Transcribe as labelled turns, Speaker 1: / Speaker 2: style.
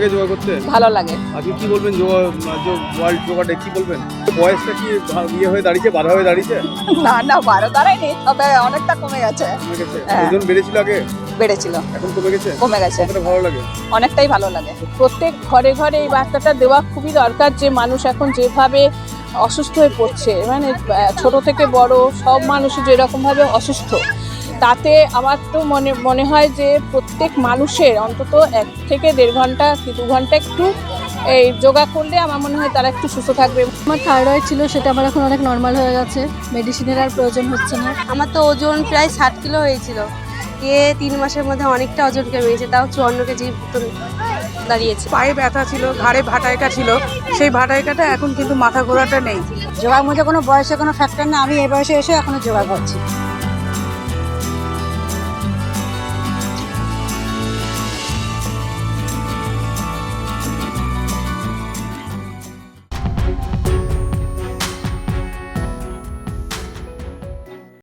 Speaker 1: লাগে যোগা করতে?
Speaker 2: ভালো লাগে।
Speaker 1: আজকে কি বলবেন ওয়ার্ল্ড যোগা ডে কি বলবেন? বয়সটা কি ইয়ে হয়ে দাঁড়িয়েছে, বাধা হয়ে দাঁড়িয়েছে?
Speaker 2: না না, 12 দাঁড়ায়নি, তবে অনেকটা কমে গেছে।
Speaker 1: কমে গেছে?
Speaker 2: হ্যাঁ।
Speaker 1: ওজন বেড়েছিল আগে,
Speaker 2: বেড়েছিল,
Speaker 1: এখন কমে গেছে?
Speaker 2: কমে গেছে।
Speaker 1: কতটা ভালো লাগে?
Speaker 2: অনেকটাই ভালো লাগে। প্রত্যেক ঘরে ঘরে এই বার্তাটা দেওয়া খুবই দরকার যে মানুষ এখন যেভাবে অসুস্থ হয়ে পড়ছে, মানে ছোট থেকে বড় সব মানুষই যেরকমভাবে অসুস্থ, তাতে আমার তো মনে হয় যে প্রত্যেক মানুষের অন্তত 1 থেকে 1.5 ঘন্টা কি 2 ঘন্টা একটু এই যোগা করলে আমার মনে হয় তারা একটু সুস্থ থাকবে।
Speaker 3: আমার থাইরয়েড ছিল, সেটা আমার এখন অনেক নর্মাল হয়ে গেছে, মেডিসিনের আর প্রয়োজন হচ্ছে না।
Speaker 4: আমার তো ওজন প্রায় 60 কিলো হয়েছিল, 3 মাসের মধ্যে অনেকটা ওজন কমে গেছে, তাও 54 কেজি মতন দাঁড়িয়েছে।
Speaker 5: পায়ে ব্যথা ছিল, ঘাড়ে ভাটাইকা ছিল, সেই ভাটাইকাটা এখন কিন্তু মাথা ঘোরাটা নেই।
Speaker 3: যোগার মধ্যে কোনো বয়সে কোনো ফ্যাক্টর না, আমি এই বয়সে এসে এখনো যোগা করছি।